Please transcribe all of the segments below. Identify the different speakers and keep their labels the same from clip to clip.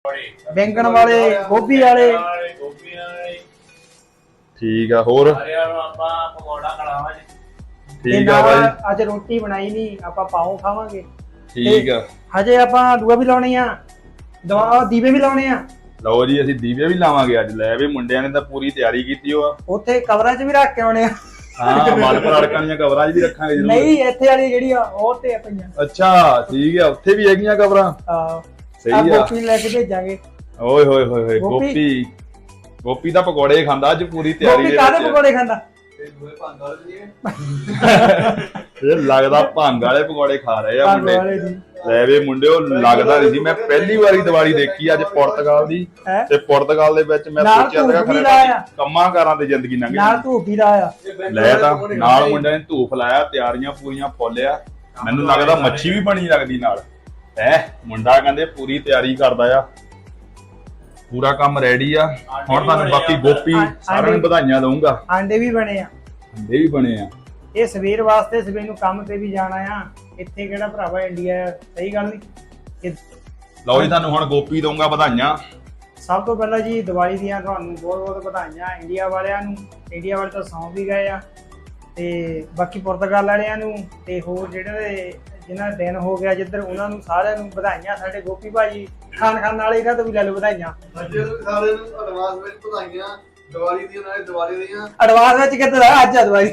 Speaker 1: बैंगन वाले गोभी वाले
Speaker 2: ठीक है होर ठीक है भाई
Speaker 1: ਅੱਜ ਰੋਟੀ ਬਣਾਈ ਨਹੀਂ ਆਪਾਂ ਪਾਉ ਖਾਵਾਂਗੇ
Speaker 2: ਠੀਕ ਆ
Speaker 1: ਹਜੇ ਆਪਾਂ ਦੂਆ ਵੀ ਲਾਉਣੀ ਆ ਦਵਾ ਦੀਵੇ ਵੀ ਲਾਉਣੇ ਆ
Speaker 2: ਲਓ ਜੀ ਅਸੀਂ ਦੀਵੇ ਵੀ ਲਾਵਾਂਗੇ ਅੱਜ ਲੈ ਵੀ ਮੁੰਡਿਆਂ ਨੇ ਤਾਂ ਪੂਰੀ ਤਿਆਰੀ ਕੀਤੀ ਹੋ ਆ
Speaker 1: ਉੱਥੇ ਕਵਰਾਂ 'ਚ ਵੀ ਰੱਖ ਕੇ ਆਉਣੇ ਆ
Speaker 2: ਹਾਂ ਮਲਪੁਰ ਅੜਕਾਂ ਦੀਆਂ ਕਵਰਾਂ 'ਚ ਵੀ ਰੱਖਾਂਗੇ ਜ਼ਰੂਰ
Speaker 1: ਨਹੀਂ ਇੱਥੇ ਵਾਲੀ ਜਿਹੜੀ ਆ ਉਹ ਤੇ ਆ ਪਈਆਂ
Speaker 2: ਅੱਛਾ ਠੀਕ ਆ ਉੱਥੇ ਵੀ ਹੈਗੀਆਂ ਕਵਰਾਂ
Speaker 1: ਹਾਂ
Speaker 2: ਸਹੀ ਆ
Speaker 1: ਗੋਪੀ ਲੈ ਕੇ ਭੇਜਾਂਗੇ
Speaker 2: ਓਏ ਹੋਏ ਹੋਏ ਹੋਏ ਗੋਪੀ ਦਾ ਪਕੌੜੇ ਖਾਂਦਾ ਅੱਜ ਪੂਰੀ ਤਿਆਰੀ
Speaker 1: ਗੋਪੀ ਕਾਹਦੇ ਪਕੌੜੇ ਖਾਂਦਾ
Speaker 2: ਇਹ ਲੱਗਦਾ ਭੰਗ ਵਾਲੇ ਪਕੌੜੇ ਖਾ ਰਹੇ ਆ ਮੁੰਡੇ ਲੈ ਵੇ ਮੁੰਡਿਓ ਲੱਗਦਾ ਨਹੀਂ ਸੀ ਮੈਂ ਪਹਿਲੀ ਵਾਰੀ ਦੀਵਾਲੀ ਦੇਖੀ ਅੱਜ ਪੁਰਤਗਾਲ ਦੀ ਤੇ ਪੁਰਤਗਾਲ ਦੇ ਵਿੱਚ ਮੈਂ ਸੋਚਿਆ ਸੀਗਾ ਕੰਮਾਂ ਕਾਰਾਂ ਤੇ ਜ਼ਿੰਦਗੀ ਲੰਘ
Speaker 1: ਨਾਲ ਧੂਪ ਹੀ ਲਾਇਆ
Speaker 2: ਲੈ ਤਾਂ ਨਾਲ ਮੁੰਡਿਆਂ ਨੇ ਧੂਪ ਲਾਇਆ ਤਿਆਰੀਆਂ ਪੂਰੀਆਂ ਫੁੱਲਿਆ ਮੈਨੂੰ ਲੱਗਦਾ ਮੱਛੀ ਵੀ ਬਣੀ ਲੱਗਦੀ ਨਾਲ ਮੁੰਡਾ ਕਹਿੰਦੇ ਪੂਰੀ ਤਿਆਰੀ ਕਰਦਾ ਆ ਪੂਰਾ ਕੰਮ ਰੈਡੀ ਆ ਹੁਣ ਤੁਹਾਨੂੰ ਬਾਕੀ ਗੋਪੀ ਸਾਰਿਆਂ ਨੂੰ ਵਧਾਈਆਂ ਦਊਂਗਾ
Speaker 1: ਆਂਡੇ ਵੀ ਬਣੇ ਆ
Speaker 2: ਆਂਡੇ ਵੀ ਬਣੇ ਆ
Speaker 1: ਇਹ ਸਵੇਰ ਵਾਸਤੇ ਸਵੇਰ ਨੂੰ ਕੰਮ ਤੇ ਵੀ ਜਾਣਾ ਆ ਇੱਥੇ ਕਿਹੜਾ ਭਰਾਵਾ ਇੰਡੀਆ ਸਹੀ ਗੱਲ ਨਹੀਂ
Speaker 2: ਲਓ ਜੀ ਤੁਹਾਨੂੰ ਹੁਣ ਗੋਪੀ ਦਊਂਗਾ ਵਧਾਈਆਂ
Speaker 1: ਸਭ ਤੋਂ ਪਹਿਲਾਂ ਜੀ ਦੀਵਾਲੀ ਦੀਆਂ ਤੁਹਾਨੂੰ ਬਹੁਤ ਬਹੁਤ ਵਧਾਈਆਂ ਇੰਡੀਆ ਵਾਲਿਆਂ ਨੂੰ ਇੰਡੀਆ ਵਾਲੇ ਤਾਂ ਸੌਂ ਵੀ ਗਏ ਆ ਤੇ ਬਾਕੀ ਪੁਰਤਗਾਲ ਵਾਲਿਆਂ ਨੂੰ ਤੇ ਹੋਰ ਜਿਹੜੇ ਜਿਨ੍ਹਾਂ ਦਾ ਦਿਨ ਹੋ ਗਿਆ ਜਿੱਧਰ ਉਹਨਾਂ ਨੂੰ ਸਾਰਿਆਂ ਨੂੰ ਵਧਾਈਆਂ ਸਾਡੇ ਗੋਪੀ ਭਾਜੀ ਖਾਣ ਵਾਲੇ ਇਹਨਾਂ ਤੋਂ ਵੀ ਲੈ ਲਓ ਵਧਾਈਆਂ
Speaker 3: ਸਾਰਿਆਂ ਨੂੰ ਐਡਵਾਂਸ ਵਿੱਚ ਵਧਾਈਆਂ ਦੀਵਾਲੀ ਦੀਆਂ ਨਾਲੇ ਦੀਵਾਲੀ ਦੀਆਂ
Speaker 1: ਐਡਵਾਂਸ ਵਿੱਚ ਕਿੱਧਰ ਆ ਅੱਜ ਦੀਵਾਲੀ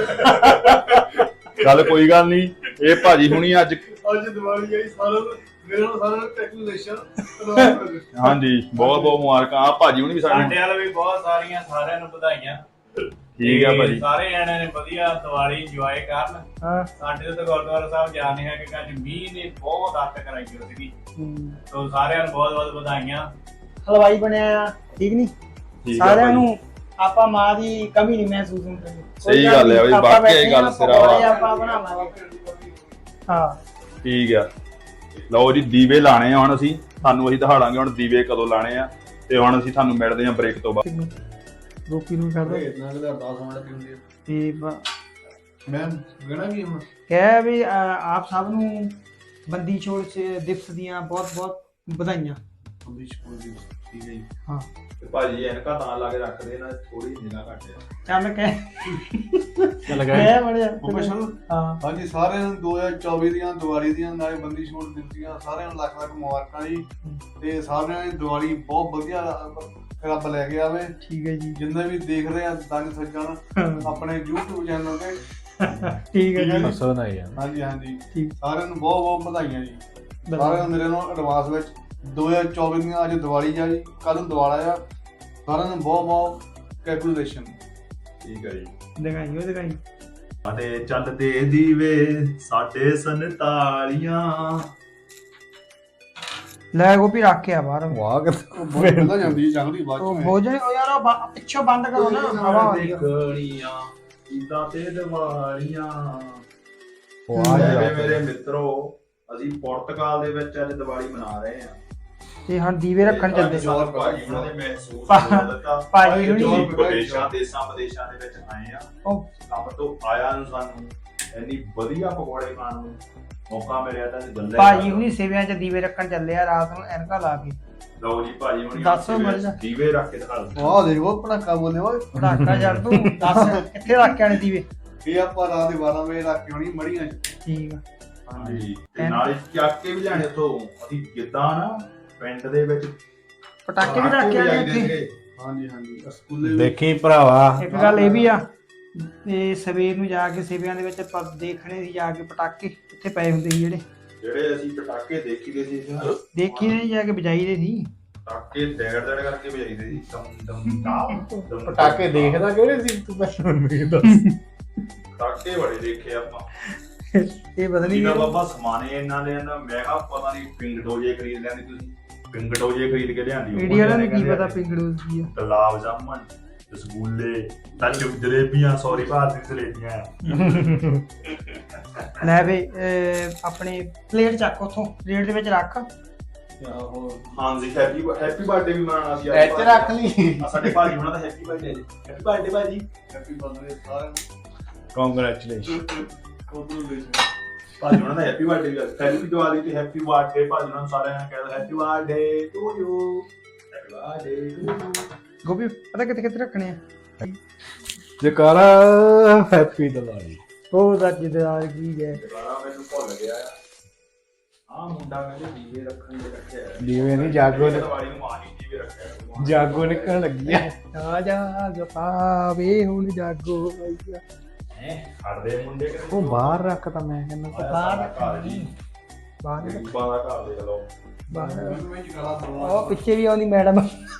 Speaker 2: ਚੱਲ ਕੋਈ ਗੱਲ ਨਹੀਂ ਇਹ ਭਾਜੀ ਹੁਣੀ ਅੱਜ
Speaker 3: ਦੀਵਾਲੀ ਆਈ ਸਾਰਿਆਂ ਨੂੰ ਮੇਰੇ ਨਾਲ ਸਾਰਿਆਂ ਨੂੰ ਕੈਲਕੂਲੇਸ਼ਨ
Speaker 2: ਹਾਂਜੀ ਬਹੁਤ ਬਹੁਤ ਮੁਬਾਰਕਾਂ ਆ ਭਾਜੀ ਹੁਣੀ ਵੀ
Speaker 4: ਸਾਡੇ ਵਾਲ ਵੀ ਬਹੁਤ ਸਾਰਿਆਂ ਨੂੰ ਵਧਾਈਆਂ
Speaker 2: ਠੀਕ ਆ ਭਾਜੀ
Speaker 4: ਸਾਰੇ ਜਣਿਆਂ ਨੇ ਵਧੀਆ ਦੀਵਾਲੀ ਇੰਜੋਏ ਕਰਨ
Speaker 1: ਹਾਂ
Speaker 4: ਸਾਡੇ ਤੋਂ ਗੁਰਦੁਆਰਾ ਸਾਹਿਬ ਜਾਣੇ ਹੈ ਕਿ ਅੱਜ ਮੀਂਹ ਨੇ ਬਹੁਤ ਅੱਤ ਕਰਾਈ ਹੋਈ ਸੀਗੀ ਤੋਂ ਸਾਰਿਆਂ ਨੂੰ ਬਹੁਤ ਬਹੁਤ ਵਧਾਈਆਂ
Speaker 1: ਹਲਵਾਈ ਬਣਿਆ ਆ ਠੀਕ ਨਹੀਂ ਸਾਰਿਆਂ ਨੂੰ ਆਪਾਂ ਮਾਂ ਦੀ ਕਮੀ ਨਹੀਂ ਮਹਿਸੂਸ ਹੁੰਦੀ
Speaker 2: ਸਹੀ ਗੱਲ ਹੈ ਬਈ ਬਾਕੀ ਇਹ ਗੱਲ ਸਿਰਾ ਵਾ
Speaker 1: ਆਪਾਂ ਬਣਾਵਾਂਗੇ ਹਾਂ
Speaker 2: ਠੀਕ ਆ ਲਓ ਜੀ ਦੀਵੇ ਲਾਣੇ ਆ ਹੁਣ ਅਸੀਂ ਤੁਹਾਨੂੰ ਅਸੀਂ ਦਿਖਾੜਾਂਗੇ ਹੁਣ ਦੀਵੇ ਕਦੋਂ ਲਾਣੇ ਆ ਤੇ ਹੁਣ ਅਸੀਂ ਤੁਹਾਨੂੰ ਮਿਲਦੇ ਆ ਬ੍ਰੇਕ ਤੋਂ ਬਾਅਦ
Speaker 1: ਗੋਪੀ ਨੂੰ ਕਰਦਾ
Speaker 3: ਇਤਨਾ ਕਿ 10 ਮਿੰਟ ਕੀ ਹੁੰਦੀ ਹੈ
Speaker 1: ਤੇ
Speaker 3: ਮੈਂ ਗਣਾ ਕੀ ਹੁਣ
Speaker 1: ਕਹਿ ਵੀ ਆਪ ਸਭ ਨੂੰ ਬੰਦੀ ਛੋੜ ਦਿਵਸ ਦੀਆਂ ਬਹੁਤ ਬਹੁਤ ਵਧਾਈਆਂ
Speaker 3: ਬੰਦੀ ਛੋੜ ਦਿਵਸ ਠੀਕ ਹੈ ਜੀ
Speaker 1: ਹਾਂ
Speaker 2: ਤੇ ਭਾਜੀ ਐਨਕਾਂ ਤਾਂ ਲਾ ਕੇ ਰੱਖਦੇ ਨਾ ਥੋੜੀ ਨਿਗਾਹ ਘੱਟ ਆ
Speaker 1: ਚੱਲ ਕਹਿ
Speaker 3: ਲਗਾਇਆ
Speaker 1: ਬੜਿਆ
Speaker 3: ਹਾਂ ਹਾਂਜੀ ਸਾਰਿਆਂ ਨੂੰ 2024 ਦੀਆਂ ਦੀਵਾਲੀ ਦੀਆਂ ਨਾਲੇ ਬੰਦੀ ਛੋੜ ਦਿਵਸ ਦੀਆਂ ਸਾਰਿਆਂ ਨੂੰ ਲੱਖ ਲੱਖ ਮੁਬਾਰਕਾਂ ਜੀ ਤੇ ਸਾਰਿਆਂ ਦੀ ਦੀਵਾਲੀ ਬਹੁਤ ਵਧੀਆ ਰੱਬ ਲੈ ਕੇ ਆਵੇ
Speaker 1: ਠੀਕ ਹੈ ਜੀ
Speaker 3: ਜਿੰਨੇ ਵੀ ਦੇਖ ਰਹੇ ਆ ਦੰਗ ਸੱਜਣ ਆਪਣੇ YouTube ਚੈਨਲ ਤੇ
Speaker 1: ਠੀਕ ਹੈ ਜੀ
Speaker 3: ਹਾਂਜੀ ਹਾਂਜੀ ਸਾਰਿਆਂ ਨੂੰ ਬਹੁਤ ਬਹੁਤ ਵਧਾਈਆਂ ਜੀ ਸਾਰਿਆਂ ਨੂੰ ਮੇਰੇ ਨਾਲ ਐਡਵਾਂਸ ਵਿੱਚ 2024 ਦੀਆਂ ਅੱਜ ਦੀਵਾਲੀ ਆ ਜੀ ਕੱਲ ਨੂੰ ਦੀਵਾਲਾ ਆ ਸਾਰਿਆਂ ਨੂੰ ਬਹੁਤ ਬਹੁਤ ਕੈਲਕੂਲੇਸ਼ਨ
Speaker 2: ਠੀਕ ਹੈ ਜੀ
Speaker 1: ਦਿਖਾਈ
Speaker 2: ਅਤੇ ਚੱਲਦੇ ਦੀਵੇ ਸਾਡੇ 47
Speaker 1: ਲੈ ਗੋਪੀ ਰੱਖ ਕੇ ਆ ਬਾਹਰ
Speaker 3: ਵਾਹ ਕਿੱਦਾਂ ਜਾਂਦੀ ਜੰਗਲੀ ਬਾਅਦ
Speaker 1: ਉਹ ਭੋਜਨ ਉਹ ਯਾਰ ਉਹ ਪਿੱਛੋਂ ਬੰਦ ਕਰੋ ਨਾ ਹਵਾ
Speaker 2: ਦੇਖਣੀਆਂ ਇਦਾਂ ਤੇ ਦੀਵਾਲੀਆਂ ਵਾਹ ਮੇਰੇ ਮਿੱਤਰੋ ਅਸੀਂ ਪੁਰਤਗਾਲ ਦੇ ਵਿੱਚ ਅੱਜ ਦੀਵਾਲੀ ਮਨਾ ਰਹੇ ਆ
Speaker 1: ਤੇ ਹੁਣ ਦੀਵੇ ਰੱਖਣ ਚੱਲਦੇ
Speaker 2: ਭਾਜੀ ਉਹਨਾਂ ਦੇ ਮਹਿਸੂਸ ਹੋ ਦਿੱਤਾ
Speaker 1: ਭਾਜੀ
Speaker 2: ਵਿਦੇਸ਼ਾਂ ਦੇਸ਼ਾਂ ਵਿਦੇਸ਼ਾਂ ਦੇ ਵਿੱਚ ਆਏ ਆ ਕੰਮ ਤੋਂ ਆਇਆ ਨੂੰ ਸਾਨੂੰ ਇੰਨੀ ਵਧੀਆ ਪਕੌੜੇ ਖਾਣ ਨੂੰ ਮੌਕਾ ਮਿਲਿਆ ਤਾਂ ਗੱਲੇ
Speaker 1: ਭਾਜੀ ਹੁਣੀ ਸੇਵਿਆਂ 'ਚ ਦੀਵੇ ਰੱਖਣ ਚੱਲੇ ਆ ਰਾਤ ਨੂੰ ਐਨਕਾ ਲਾ ਕੇ
Speaker 2: ਲਓ ਜੀ ਭਾਜੀ ਹੁਣੀ
Speaker 1: ਦੱਸੋ ਮਰਜ਼ਾ
Speaker 2: ਦੀਵੇ ਰੱਖ ਕੇ ਦਿਖਾ ਦਿਓ
Speaker 3: ਵਾਹ ਦੇਖੋ ਪਟਾਕਾ ਬੋਲੇ ਓਏ
Speaker 1: ਪਟਾਕਾ ਯਾਰ ਤੂੰ ਦੱਸ ਕਿੱਥੇ ਰੱਖ ਕੇ ਆਣੇ ਦੀਵੇ
Speaker 3: ਇਹ ਆਪਾਂ ਰਾਤ ਦੇ 12 ਵਜੇ ਰੱਖ ਕੇ ਆਉਣੀ ਮੜੀਆਂ 'ਚ
Speaker 1: ਠੀਕ ਆ
Speaker 2: ਹਾਂਜੀ ਤੇ ਨਾਲੇ ਚੱਕ ਕੇ ਵੀ ਲੈਣੇ ਉੱਥੋਂ ਅਸੀਂ ਜਿੱਦਾਂ ਨਾ ਪਿੰਡ ਦੇ ਵਿੱਚ
Speaker 1: ਪਟਾਕੇ ਵੀ ਰੱਖ ਕੇ ਆਣੇ ਇੱਥੇ
Speaker 3: ਹਾਂਜੀ ਹਾਂਜੀ ਸਕੂਲੇ
Speaker 5: ਦੇਖੀ ਭਰਾਵਾ
Speaker 1: ਇੱਕ ਗੱਲ ਇਹ ਵੀ ਆ ਤੇ ਸਵੇਰ ਨੂੰ ਜਾ ਕੇ ਸੇਵਿਆਂ ਦੇ ਵਿੱਚ ਦੇਖਣੇ ਸੀ ਜਾ ਕੇ ਪਟਾਕੇ ਉੱਥੇ ਪਏ ਹੁੰਦੇ ਸੀ
Speaker 2: ਜਿਹੜੇ ਅਸੀਂ ਪਟਾਕੇ ਦੇਖੀਦੇ ਸੀ
Speaker 1: ਦੇਖੀ ਨਹੀਂ ਜਾ ਕੇ ਵਜਾਈਦੇ ਸੀ
Speaker 2: ਪਟਾਕੇ ਡੈੜ ਕਰਕੇ ਵਜਾਈਦੇ ਸੀ ਦਮ ਦਮ
Speaker 5: ਪਟਾਕੇ ਦੇਖਦਾ ਕਿਹੜੇ ਸੀ ਤੂੰ ਮੈਨੂੰ ਦੱਸ
Speaker 2: ਪਟਾਕੇ ਬੜੇ ਦੇਖੇ ਆਪਾਂ
Speaker 1: ਇਹ ਪਤਾ ਨਹੀਂ
Speaker 2: ਇਹਦਾ ਬਾਬਾ ਸਮਾਨੇ ਇਹਨਾਂ ਦੇ ਨਾ ਮੈਂ ਕਿਹਾ ਪਤਾ ਨਹੀਂ ਪਿੰਗ ਡੋਜੇ ਖਰੀਦ ਲੈਂਦੇ ਤੁਸੀਂ ਪਿੰਗ ਡੋਜੇ ਖਰੀਦ ਕੇ ਲਿਆਂਦੀ
Speaker 1: ਇੰਡੀਆ ਨੂੰ ਕੀ ਪਤਾ ਪਿੰਗੜੂ ਕੀ ਆ
Speaker 2: ਗੁਲਾਬ ਜਾਮਨ ਰਸਗੁੱਲੇ ਲੱਡੂ ਜਲੇਬੀਆਂ ਸੌਰੀ ਭਾਰਤੀ ਜਲੇਬੀਆਂ
Speaker 1: ਲੈ ਵੇ ਆਪਣੇ ਪਲੇਟ ਚੱਕ ਉਥੋਂ ਪਲੇਟ ਦੇ ਵਿੱਚ ਰੱਖ
Speaker 2: ਹਾਂਜੀ ਹੈਪੀ ਬਰਥਡੇ ਵੀ ਮਨਾਉਣਾ ਸੀ
Speaker 5: ਇੱਥੇ ਰੱਖ ਲਈ
Speaker 2: ਸਾਡੇ ਭਾਜੀ ਉਹਨਾਂ ਦਾ ਹੈਪੀ ਬਰਥਡੇ ਜੀ ਹੈਪੀ ਬਰਥਡੇ ਭਾਜੀ
Speaker 3: ਹੈਪੀ ਬਰਥਡੇ ਸਾਰਿਆਂ ਨੂੰ
Speaker 5: ਕੰਗ੍ਰੈਚੁਲੇਸ਼ਨ
Speaker 2: ਭਾਜੀ ਉਹਨਾਂ ਦਾ ਹੈਪੀ ਬਰਥਡੇ ਵੀ ਹੈਪੀ ਦੀਵਾਲੀ ਤੇ ਹੈਪੀ ਬਰਥਡੇ ਭਾਜੀ ਉਹਨਾਂ ਨੂੰ ਸਾਰਿਆਂ ਨੇ ਕਹਿੰਦਾ happy birthday to you happy birthday to you.
Speaker 1: Gopi ਪਤਾ ਕਿੱਥੇ ਕਿੱਥੇ ਰੱਖਣੇ ਆ?
Speaker 5: ਜਕਾਰਾ ਹੈਪੀ ਦੀਵਾਲੀ।
Speaker 1: ਉਹ ਤਾਂ ਜਿੱਦਾਰ ਕੀ ਹੈ
Speaker 2: ਦੁਬਾਰਾ ਮੈਨੂੰ ਭੁੱਲ ਗਿਆ ਆ ਮੁੰਡਾ ਕਹਿੰਦੇ ਦੀਵੇ ਰੱਖਣ ਦੇ ਰੱਖਿਆ
Speaker 5: ਦੀਵੇ ਨਹੀਂ ਜਾਗੋ ਨੇ
Speaker 2: ਦੀਵਾਲੀ ਨੂੰ ਮਾਂ ਨਹੀਂ ਦੀਵੇ ਰੱਖਿਆ
Speaker 5: ਜਾਗੋ ਨਿਕਲਣ ਲੱਗੀ ਆ।
Speaker 1: ਆ ਜਾ ਗਪਾ ਵੇ ਹੁਣ ਜਾਗੋ ਆਈਆ।
Speaker 2: ਖੜਦੇ ਮੁੰਡੇ ਕਿਤੇ
Speaker 5: ਉਹ ਬਾਹਰ ਰੱਖਤਾ ਮੈਂ ਕਹਿੰਦਾ
Speaker 1: ਬਾਹਰ
Speaker 2: ਘਰ ਜੀ
Speaker 1: ਬਾਹਰ
Speaker 2: ਗਰੀਬਾਂ ਦਾ ਘਰ ਦੇਖ ਲਓ
Speaker 1: ਬਾਹਰ ਉਹ ਪਿੱਛੇ ਵੀ ਆਉਂਦੀ ਮੈਡਮ।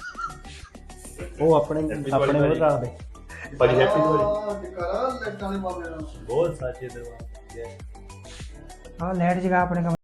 Speaker 5: ਉਹ ਆਪਣੇ ਆਪਣੇ ਉਹ ਰੱਖ ਦੇ।
Speaker 2: ਭਾਜੀ ਹੈਪੀ ਦੀਵਾਲੀ
Speaker 3: ਕਰਾ ਲੈਟਾਂ ਦੇ ਮਾਮਲੇ ਨਾਲ
Speaker 5: ਬਹੁਤ ਸਾਚੇ ਦਰਬਾਰ।
Speaker 1: ਆ ਲਾਈਟ ਜਗਾ ਆਪਣੇ ਕਮਰੇ।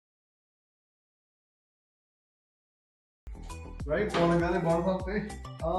Speaker 3: ਰਾਈਟ ਕੋਲ ਕਹਿੰਦੇ ਬਣ ਸਕਦੇ